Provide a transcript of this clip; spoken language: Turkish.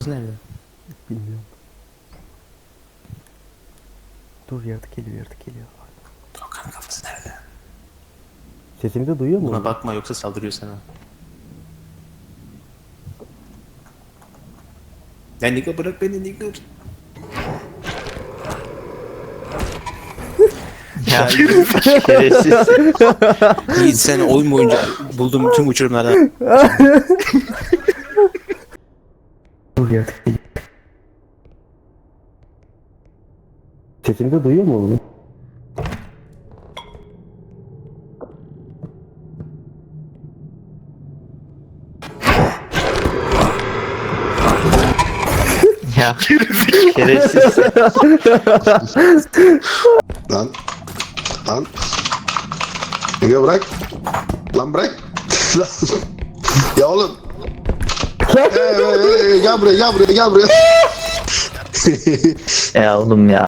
Nerede? Bilmiyorum. Dur, yaratık geliyor, yaratık geliyor. Doğukan'ın kafası nerede? Sesimi de duyuyor mu? Buna bakma yoksa saldırıyor sana. Ya Niko bırak beni Niko. Ya şerefsiz. Yiğit sen oyun boyunca bulduğum tüm uçurumlardan. Dur, yaratık geliyor. Sesimi de duyuyor mu oğlum? Ya şerefsiz. Lan. Lan. Ege bırak. Lan bırak. Lan. Ya oğlum. Gel buraya gel buraya gel buraya. Ya oğlum ya.